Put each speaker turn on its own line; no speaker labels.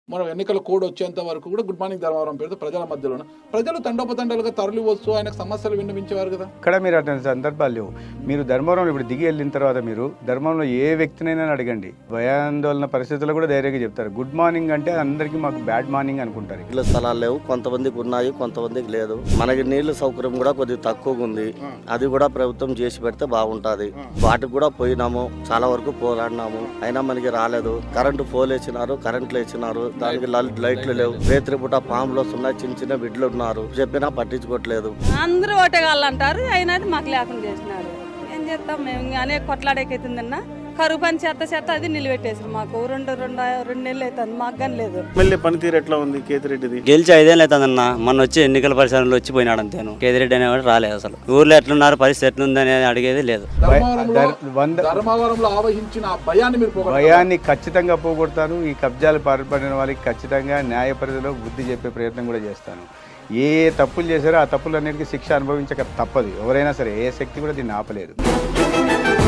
మనం ఎన్నికల కోడ్ వచ్చేంత వరకు కూడా గుడ్ మార్నింగ్ ధర్మవరం పేరుతో ప్రజల మధ్యలో ప్రజలు తండోపతండాలుగా తరలి వస్తూ ఆయనకు సమస్యలు విన్నవించేవారు కదా.
ఇక్కడ మీరు అటువంటి సందర్భాలు లేవు. మీరు ధర్మవరంలో ఇప్పుడు దిగి వెళ్ళిన తర్వాత మీరు ధర్మవరంలో ఏ వ్యక్తినైనా అడగండి, భయాందోళన పరిస్థితుల్లో కూడా ధైర్యంగా చెప్తారు. గుడ్ మార్నింగ్ అంటే అందరికీ మాకు బ్యాడ్ మార్నింగ్ అనుకుంటారు.
ఇళ్ళ స్థలాలు లేవు, కొంతమందికి ఉన్నాయి, కొంతమందికి లేదు. మనకి నీళ్లు సౌకర్యం కూడా కొద్దిగా తక్కువగా ఉంది. అది కూడా ప్రభుత్వం చేసి పెడితే బాగుంటది. వాటికి కూడా పోయినాము, చాలా వరకు పోరాడినాము, అయినా మనకి రాలేదు. కరెంటు పోల్ వేసినారు, కరెంట్లు వేసినారు, దానికి లైట్లు లేవు. రేత్రి పూట పాములు వస్తున్నాయి, చిన్న చిన్న బిడ్డలు ఉన్నారు, చెప్పినా పట్టించుకోవట్లేదు.
అందరూ ఓటేగాళ్ళంటారు, అయినా మాకు లేకుండా చేసినారు. ఏం చేస్తాం, మేము అనేక కొట్లాడేకైతుందన్నా. కరువు పని చేత అది నిలబెట్టేసారు. మాకు రెండు నెలలు అవుతుంది, మాకు కానీ లేదు.
ఎమ్మెల్యే పనితీరు ఎట్లా ఉంది కేతిరెడ్డిది?
గెలిచి 5 ఏళ్ళు అవుతుందన్న. మొన్న వచ్చి ఎన్నికల పరిసరాలు వచ్చిపోయినాడు అంతేను. కేతిరెడ్డి అనేవాడు రాలేదు. అసలు ఊర్లో ఎట్లున్నారు, పరిస్థితి ఎట్లుందని అడిగేది లేదు.
ధర్మవరంలో ఆవహించిన ఆ భయాన్ని మీరు
భయాన్ని ఖచ్చితంగా పోగొడతాను. ఈ కబ్జాలు పాల్పడిన వాళ్ళకి ఖచ్చితంగా న్యాయ పరిధిలో బుద్ధి చెప్పే ప్రయత్నం కూడా చేస్తాను. ఏ తప్పులు చేశారో ఆ తప్పులన్నిటికీ శిక్ష అనుభవించక తప్పదు. ఎవరైనా సరే, ఏ శక్తి కూడా దీన్ని ఆపలేదు.